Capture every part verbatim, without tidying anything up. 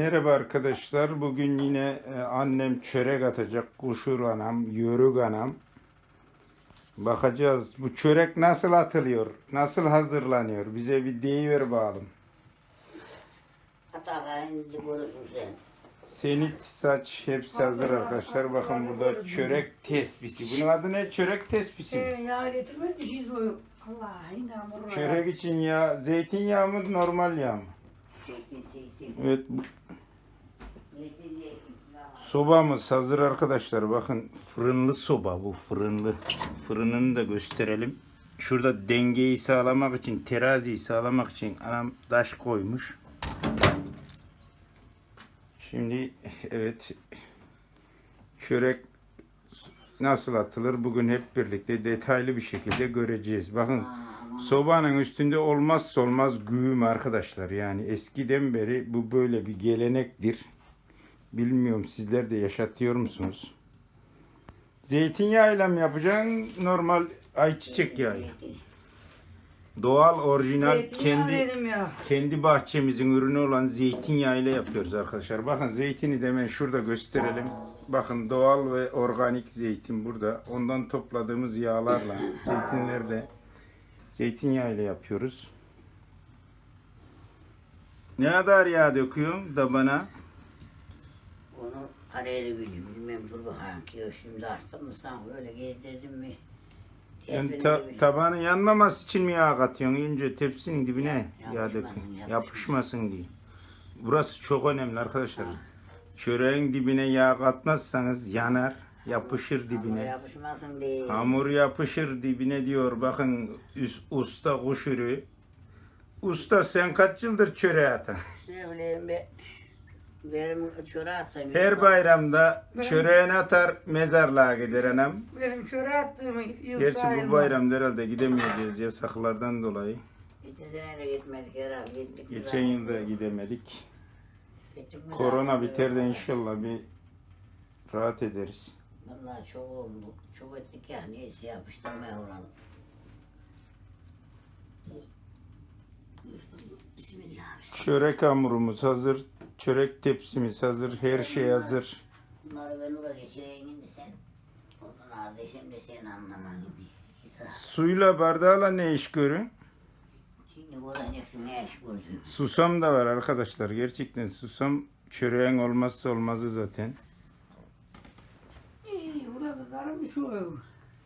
Merhaba arkadaşlar. Bugün yine e, annem çörek atacak. Kuşur anam, yörük anam. Bakacağız bu çörek nasıl atılıyor, nasıl hazırlanıyor. Bize bir deyiver bakalım. Hata indi görürsün sen. Senit, saç hepsi hazır arkadaşlar. Bakın burada çörek tespisi. Bunun adı ne? Çörek tespisi mi? Ee, yağ getirmek bir şey soyup. Allah yine hamuruna. Çörek için yağ, zeytinyağı mı, normal yağ mı? Zeytin zeytin. Evet, bu Zeytin zeytin. sobamız hazır arkadaşlar. Bakın fırınlı soba bu, fırınlı. Fırınını da gösterelim. Şurada dengeyi sağlamak için, teraziyi sağlamak için anam taş koymuş. Şimdi evet, çörek nasıl atılır bugün hep birlikte detaylı bir şekilde göreceğiz. Bakın sobanın üstünde olmazsa olmaz güğüm arkadaşlar. Yani eskiden beri bu böyle bir gelenektir. Bilmiyorum sizler de yaşatıyor musunuz? Zeytinyağıyla mı yapacaksın? Normal ayçiçek yağı. Doğal, orijinal, Zeytinyağı kendi dedim ya. kendi bahçemizin ürünü olan zeytinyağıyla yapıyoruz arkadaşlar. Bakın zeytini de hemen şurada gösterelim. Bakın doğal ve organik zeytin burada. Ondan topladığımız yağlarla, zeytinlerle, zeytinyağıyla yapıyoruz. Ne kadar yağ döküyorum da bana? Onu arayı bileyim. Bilmem dur bakayım ki şimdi açtım mı sen böyle gezdirdin mi? Yani ta, tabanın yanmaması için mi yağ katıyorsun? Önce tepsinin dibine Ya, yağ yapışmasın, dökün. yapışmasın. Yapışmasın diye. Burası çok önemli arkadaşlar. Çöreğin dibine yağ katmazsanız yanar, yapışır Hamur dibine. yapışmasın diye. Hamur yapışır dibine diyor. Bakın üst, usta kuşürü. Usta sen kaç yıldır çöreği atan? Ne bileyim be. Benim çöre atayım. Her bayramda çöreğini atar, mezarlığa gider anam. Benim şöyle attığımı yıl Gerçi bu sayılmaz. bayramda herhalde gidemeyeceğiz yasaklardan dolayı. Geçen sene de gitmedik herhalde. Gittik. Geçen yılda gidemedik. Gittik mi Korona daha? biter de inşallah bir rahat ederiz. Vallahi çok oldu. Çok ettik ya. Neyse yapıştırmaya olalım. Bismillah. Çörek hamurumuz hazır. Çörek tepsimiz hazır. Her şey hazır. Bunları ben oraya geçireyim şimdi sen. Onun ardı şimdi sen anlaman gibi. Hisa. Suyla bardağla ne iş görün? Şimdi göreceksin ne iş gördüğünü. Susam da var arkadaşlar. Gerçekten susam çöreğin olmazsa olmazı zaten. İyi, burada darım şu.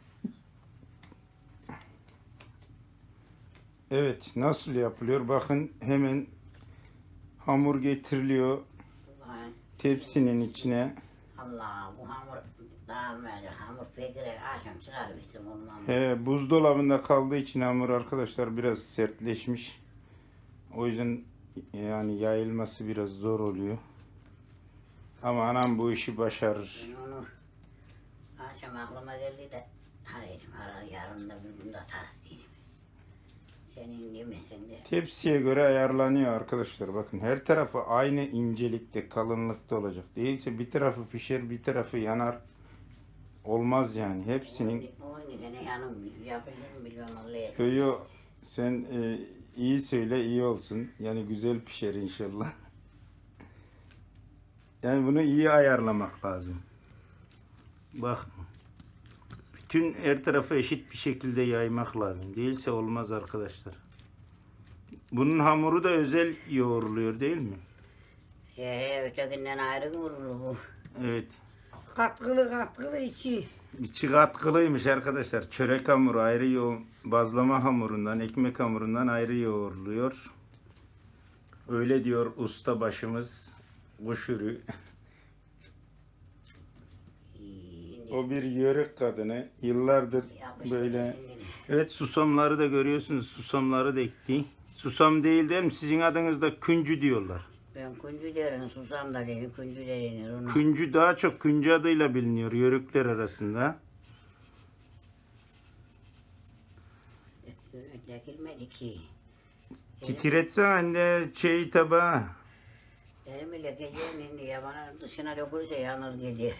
Evet, nasıl yapılıyor? Bakın hemen hamur getiriliyor tepsinin içine. Allah bu hamur daha böyle hamur pekire akşam çıkarırsın ondan. He, buzdolabında kaldığı için hamur arkadaşlar biraz sertleşmiş. O yüzden yani yayılması biraz zor oluyor. Ama anam bu işi başarır. Ben onu akşam aklıma geldi de hayır yarın da bir gün de ters değilim. Senin demesen de. Tepsiye göre ayarlanıyor arkadaşlar. Bakın her tarafı aynı incelikte, kalınlıkta olacak. Değilse bir tarafı pişer, bir tarafı yanar. Olmaz yani. Hepsinin O ne yanım yapılır mı bilmem Allah'a. köyü sen e, iyi söyle iyi olsun. Yani güzel pişer inşallah. Yani bunu iyi ayarlamak lazım. Bak. Bütün her tarafı eşit bir şekilde yaymak lazım. Değilse olmaz arkadaşlar. Bunun hamuru da özel yoğruluyor değil mi? He he ötekinden ayrı vurulur bu. Evet. Katkılı katkılı içi. İçi katkılıymış arkadaşlar. Çörek hamuru ayrı yoğur, bazlama hamurundan, ekmek hamurundan ayrı yoğruluyor. Öyle diyor usta başımız. Kuşürü. O bir yörük kadını. Yıllardır böyle. Evet, susamları da görüyorsunuz. Susamları da ekti. Susam değil değil mi? Sizin adınızda küncü diyorlar. Ben küncü derim, susam da derim, küncü de denir ona. Küncü daha çok küncü adıyla biliniyor yörükler arasında. Dökülmedi ki. Titretsen anne şey tabağı. Elimi lekeceğim şimdi ya bana dışına dökülürse yanır gider.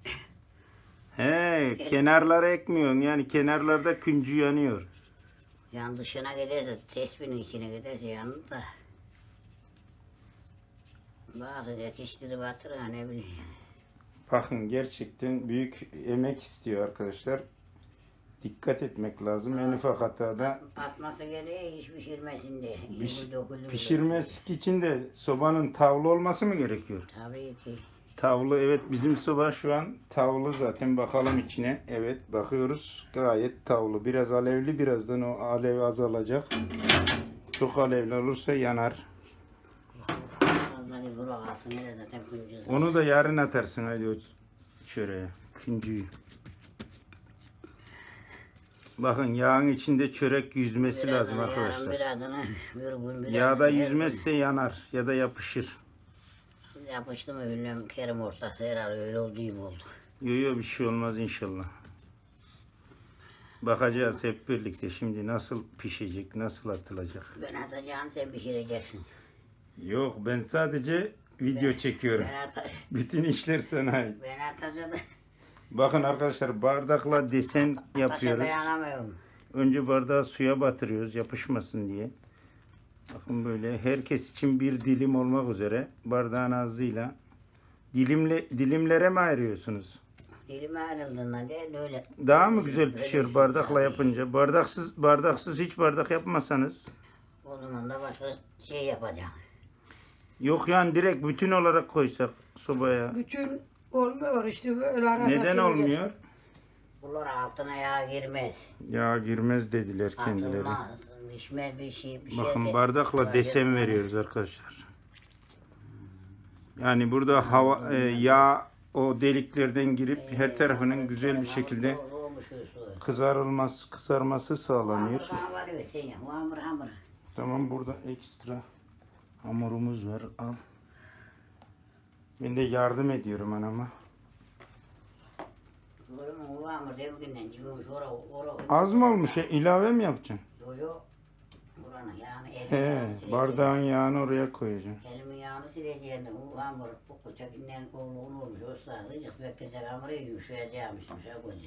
He, kenarlara ekmiyorsun yani kenarlarda küncü yanıyor. Yan dışına giderse, tespihin içine giderse yanır da. Bazı yetiştiri batır ha ne bileyim. Bakın gerçekten büyük emek istiyor arkadaşlar. Dikkat etmek lazım. En ufak hatada Atması gereği hiç pişirmesin diye. piş- İyi dökülür. pişirmesi için de sobanın tavlı olması mı gerekiyor? Tabii ki. Tavlı, evet, bizim soba şu an tavlı zaten. Bakalım içine. Evet, bakıyoruz. Gayet tavlı. Biraz alevli, birazdan o alev azalacak. Çok alevli olursa yanar. Fazla bir burak alsın hele zaten kuncuz. Onu da yarın atarsın hadi o çöreğe. Küncüyü. Bakın yağın içinde çörek yüzmesi lazım Birazını yarın, arkadaşlar. birazını bir gün, birazını Yağda her gün. yüzmezse yanar ya da yapışır. Yapıştı mı bilmem Kerim ortası herhalde öyle olduğu gibi oldu. Yok yok, bir şey olmaz inşallah. Bakacağız hep birlikte şimdi nasıl pişecek, nasıl atılacak. Ben atacağım sen pişireceksin. Yok, ben sadece video çekiyorum. Ben atacağım. Bütün işler sana ait. Ben atacağım. Bakın arkadaşlar, bardakla desen Taşa yapıyoruz. dayanamıyorum. Önce bardağı suya batırıyoruz yapışmasın diye. Bakın böyle herkes için bir dilim olmak üzere bardağın ağzıyla dilimle dilimlere mi ayırıyorsunuz? Dilime ayrıldığından değil öyle. Daha mı güzel Öyle pişiyor düşün bardakla tabii. yapınca? Bardaksız bardaksız hiç bardak yapmasanız. O zaman da başka şey yapacağım. Yok yani direkt bütün olarak koysak sobaya. Bütün olmuyor işte böyle arada Neden açılacak. olmuyor? Bunlar altına yağ girmez. Ya girmez dediler kendileri. Atılmaz. Pişmez bir şey. Bir şey Bakın de- bardakla desen veriyoruz arkadaşlar. Yani burada hava e, yağ o deliklerden girip her tarafının güzel bir şekilde Olmuş o su. kızarılması, kızarması sağlanıyor. Hamur bana var sen ya. O hamur hamur. Tamam, burada ekstra hamurumuz var, al. Ben de yardım ediyorum anama. Görüm o hamur devkinden çıkıyormuş ora ora. Az mı olmuş ya? İlave mi yapacaksın? Yo yo. Buranın yağını elimin He, yağını sileceğim. bardağın yağını oraya koyacaksın. Elimin yağını sileceğim de o hamur bu ötekinden kolluğun olmuş. O sırada azıcık beklesek hamuru yumuşayacakmış. Yumuşak olacak.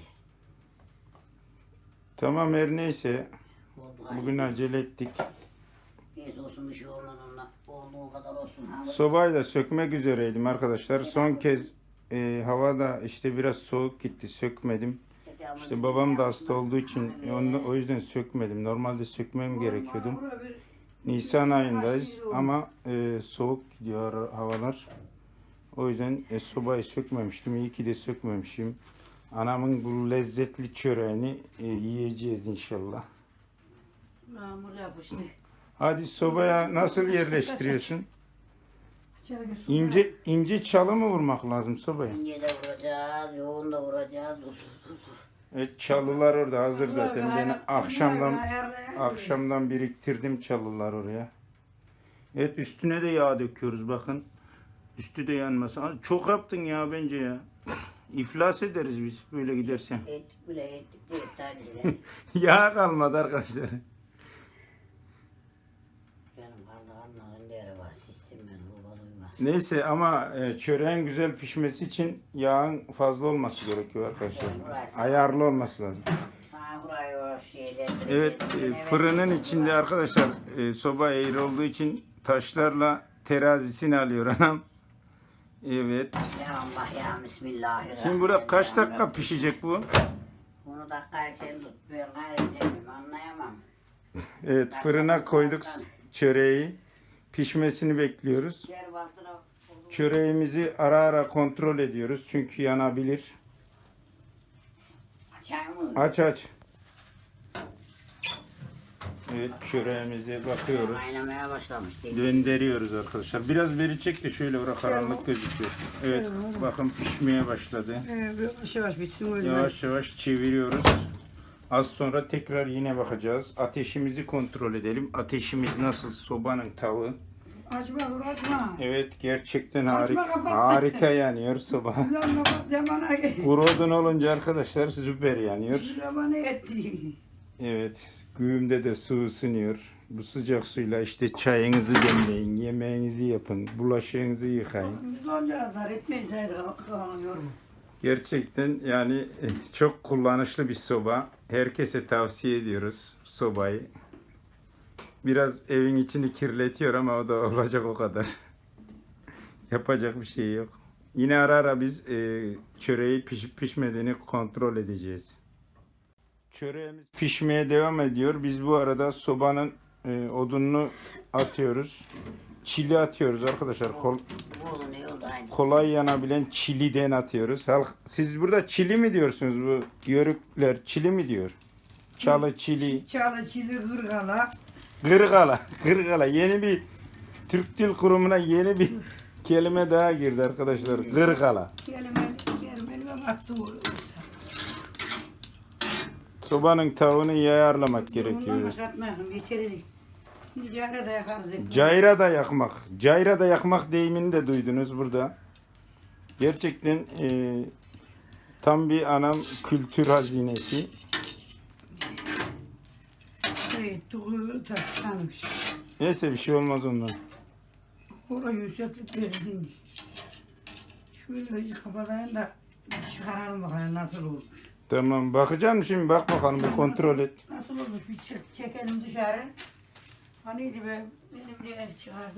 Tamam, her neyse. Oldu Bugün acele ettik. neyse olsun bir şey olmaz onunla. Olduğu kadar olsun. Hamur. Sobayı da sökmek üzereydim arkadaşlar. Son kez e, hava da işte biraz soğuk gitti, sökmedim. İşte babam da hasta olduğu için onu, o yüzden sökmedim. Normalde sökmem gerekiyordu. Bana bir- Nisan ayındayız ama e, soğuk gidiyor ara- havalar. O yüzden e, sobayı sökmemiştim. İyi ki de sökmemişim. Anamın bu lezzetli çöreğini e, yiyeceğiz inşallah. Hamur yapıştı. Hadi sobaya nasıl yerleştiriyorsun? İçeri götür. İnce ince çalı mı vurmak lazım sobaya? İnce de vuracağız, yoğun da vuracağız. Usuz usuz. Evet, çalılar orada hazır zaten. Ben Bunlar akşamdan ayarlayan- akşamdan biriktirdim çalılar oraya. Evet, üstüne de yağ döküyoruz bakın. Üstü de yanmasın. Aa, çok yaptın ya bence ya. İflas ederiz biz böyle gidersen. Ettik bile ettik de ettik. Yağ kalmadı arkadaşlar. Benim bardağımla önde var. Sistem ben bu duymaz. Neyse ama e, çöreğin güzel pişmesi için yağın fazla olması gerekiyor arkadaşlar. Ayarlı olması lazım. Sana burayı o şeyden... Evet, e, fırının içinde arkadaşlar e, soba eğri olduğu için taşlarla terazisini alıyor anam. Evet. Ya Allah ya Bismillahirrahmanirrahim. Şimdi burada kaç dakika pişecek bu? Bunu dakikayı sen tut. Ben gayrı demeyeyim anlayamam. Evet, fırına koyduk çöreği. Pişmesini bekliyoruz. Gel bastıra. Çöreğimizi ara ara kontrol ediyoruz çünkü yanabilir. Açayım mı? Aç aç. Evet, çöreğimize bakıyoruz. Kaynamaya başlamış değil. Döndürüyoruz arkadaşlar. Biraz beri çek de şöyle bırak, karanlık gözüküyor. Evet, bakın pişmeye başladı. Ee, bir yavaş yavaş bitsin öyle. Yavaş yavaş çeviriyoruz. Az sonra tekrar yine bakacağız. Ateşimizi kontrol edelim. Ateşimiz nasıl? Sobanın tavuğu. Açma dur açma. Evet, gerçekten Açma, harika. kapat. Harika yanıyor soba. Ulan kapat demana gel. Kuru odun olunca arkadaşlar süper yanıyor. Demana etti. Evet, güğümde de su ısınıyor. Bu sıcak suyla işte çayınızı demleyin, yemeğinizi yapın, bulaşığınızı yıkayın. Biz doncağızlar etmeyiz hayır kalıyor mu? Gerçekten yani eh, çok kullanışlı bir soba. Herkese tavsiye ediyoruz sobayı. Biraz evin içini kirletiyor ama o da olacak o kadar. Yapacak bir şey yok. Yine ara ara biz e, çöreği pişip pişmediğini kontrol edeceğiz. Çöreğimiz pişmeye devam ediyor. Biz bu arada sobanın e, odununu atıyoruz. Çili atıyoruz arkadaşlar. Kol, Bu ne oldu aynı. kolay yanabilen çiliden atıyoruz. Halk, siz burada çili mi diyorsunuz bu yörükler? Çili mi diyor? Çalı çili. Çalı çili hırgala. Gırgala. Gırgala. Yeni bir Türk Dil Kurumu'na yeni bir kelime daha girdi arkadaşlar. Gırgala. Kelime, kelime baktı o. Sobanın tavuğunu iyi ayarlamak Bundan gerekiyor. başlatmayalım. Yeterli. Nicare de yakarız. Cayra da yakmak. Cayra da yakmak deyimini de duydunuz burada. Gerçekten e, tam bir anam kültür hazinesi. Şey, tuğu taşlanmış. Neyse bir şey olmaz ondan. Oraya yükseklik verildi. Şöyle kapatayım da çıkaralım bakalım nasıl olmuş. Tamam bakacağım şimdi, bak bakalım bir kontrol et. Nasıl olmuş bir çek, çekelim dışarı. Haniydi be benim de el çıkardı.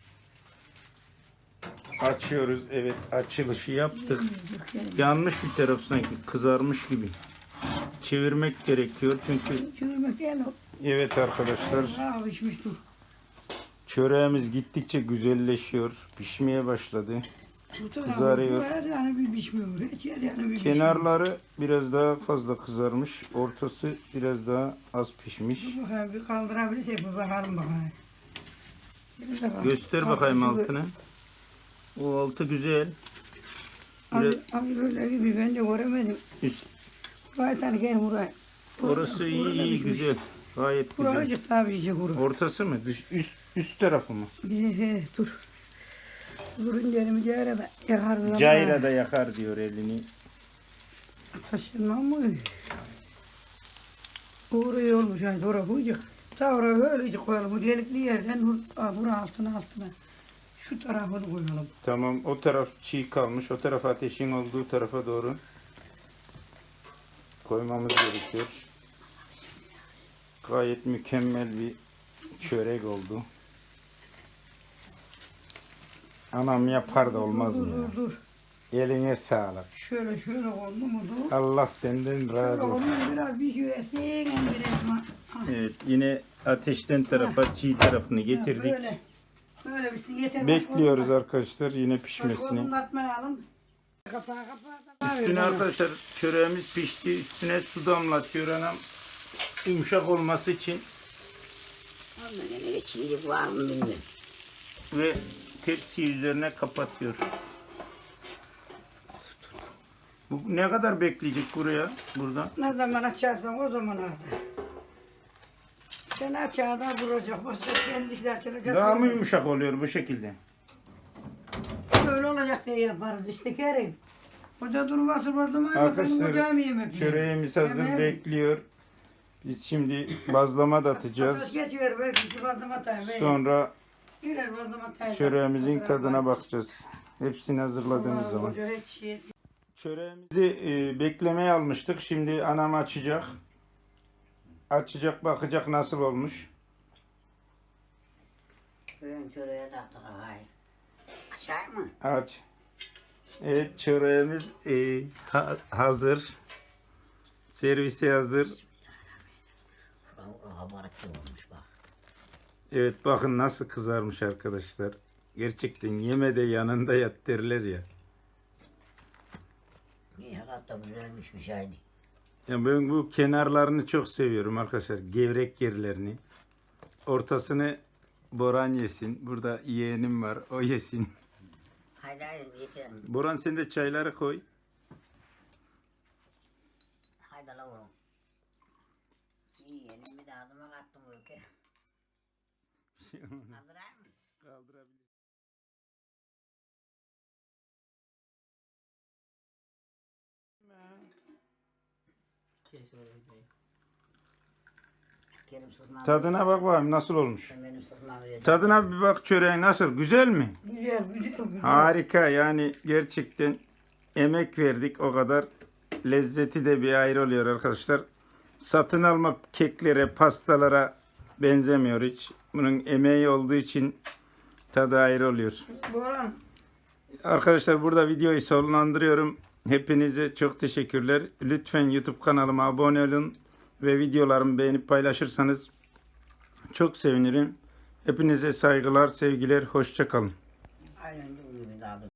Açıyoruz, evet, açılışı yaptık. Yemedik, Yanmış bir taraf sanki, kızarmış gibi. Çevirmek gerekiyor çünkü çevirmek gel o. evet arkadaşlar, Bravo içmiş dur. çöreğimiz gittikçe güzelleşiyor. Pişmeye başladı. Bu tarafı Kızarıyor. her yanı bir pişmiyor. Hiç her yanı bir pişmiyor. Kenarları biraz daha fazla kızarmış. Ortası biraz daha az pişmiş. Dur bakayım bir kaldırabilirsek bir bakalım bakalım. Bir bakalım. Göster Bak, bakayım şu- altını. O altı güzel. Az, Biraz az böyle gibi ben de göremedim. üst. Buraya tane gel buraya. Orası iyi Burada iyi pişmiş. güzel. Gayet güzel. Buracık daha pişecek buraya. Ortası mı? Dış, üst üst tarafı mı? He he dur. Durun yerimi cayra da yakarız ama. Cayra da yakar diyor elini. Taşınma mı? Oraya olmuş yani oraya koyacak. Ta oraya öylece koyalım. Bu delikli yerden bur- aa, buraya altına altına. Şu tarafını koyalım. Tamam, o taraf çiğ kalmış. O taraf ateşin olduğu tarafa doğru koymamız gerekiyor. Gayet mükemmel bir çörek oldu. Anam yapar da olmaz dur, mı dur, ya? dur, dur. Eline sağlık. Şöyle şöyle oldu mu dur. Allah senden Şöyle razı oldu olsun. mu biraz bir şüresin. Biraz ma- ha. Evet, yine ateşten tarafa çiğ tarafını Ha, getirdik. Böyle. Böyle bir yeter. Bekliyoruz Başka arkadaşlar yine pişmesini. odun atmayalım. Kapağı kapağı. Üstüne arkadaşlar çöreğimiz pişti. Üstüne su damlatıyor anam. Yumuşak olması için Ondan yine çiğlik var mı bilmiyorum. ve tepsi üzerine kapatıyor. Bu ne kadar bekleyecek buraya buradan? Ne zaman açarsan o zaman artık. Sen açarda vuracak. Başka kendisi açılacak. Daha mı yumuşak oluyor bu şekilde? Böyle olacak diye yaparız işte Kerim. Hoca durmaz durmaz durmaz. Bakalım Arkadaşlar hocam yemek yiyor. çöreğimiz hazır Yemeğe- bekliyor. Biz şimdi bazlama da Ateş atacağız. geçiyor belki ki bazlama atayım. Sonra Birer bazlama atayım. çöreğimizin tadına bakacağız. Hepsini hazırladığımız Aman zaman. Hoca hiç şey. Çöreğimizi e, beklemeye almıştık. Şimdi anam açacak. Açacak, bakacak nasıl olmuş. Bugün çöreğe taktık havayı. Açayım mı? Aç. Evet, çöreğimiz e, ha- hazır. Servise hazır. Şurada kabarık gibi olmuş bak. Evet, bakın nasıl kızarmış arkadaşlar. Gerçekten yeme de yanında yat derler ya. İyi hatta güzelmiş bir şeydi. Ya ben bu kenarlarını çok seviyorum arkadaşlar. Gevrek yerlerini. Ortasını Boran yesin. Burada yeğenim var. O yesin. Haydi haydi yeterim. Boran sen de çayları koy. Haydi la oğlum. İyi elimi de ağzıma kattım ülke. Hazırayım mı? Kaldırabilir. Kerim sıkmam. Tadına bak bakayım nasıl olmuş. Sen benim sıkmamı verdin. Tadına bir bak çöreğin nasıl? Güzel mi? Güzel güzel güzel. Harika, yani gerçekten emek verdik o kadar. Lezzeti de bir ayrı oluyor arkadaşlar. Satın alma keklere, pastalara benzemiyor hiç. Bunun emeği olduğu için tadı ayrı oluyor. Boran Arkadaşlar burada videoyu sonlandırıyorum. Hepinize çok teşekkürler. Lütfen YouTube kanalıma abone olun ve videolarımı beğenip paylaşırsanız çok sevinirim. Hepinize saygılar, sevgiler, hoşça kalın. Aynen dediğim gibi daha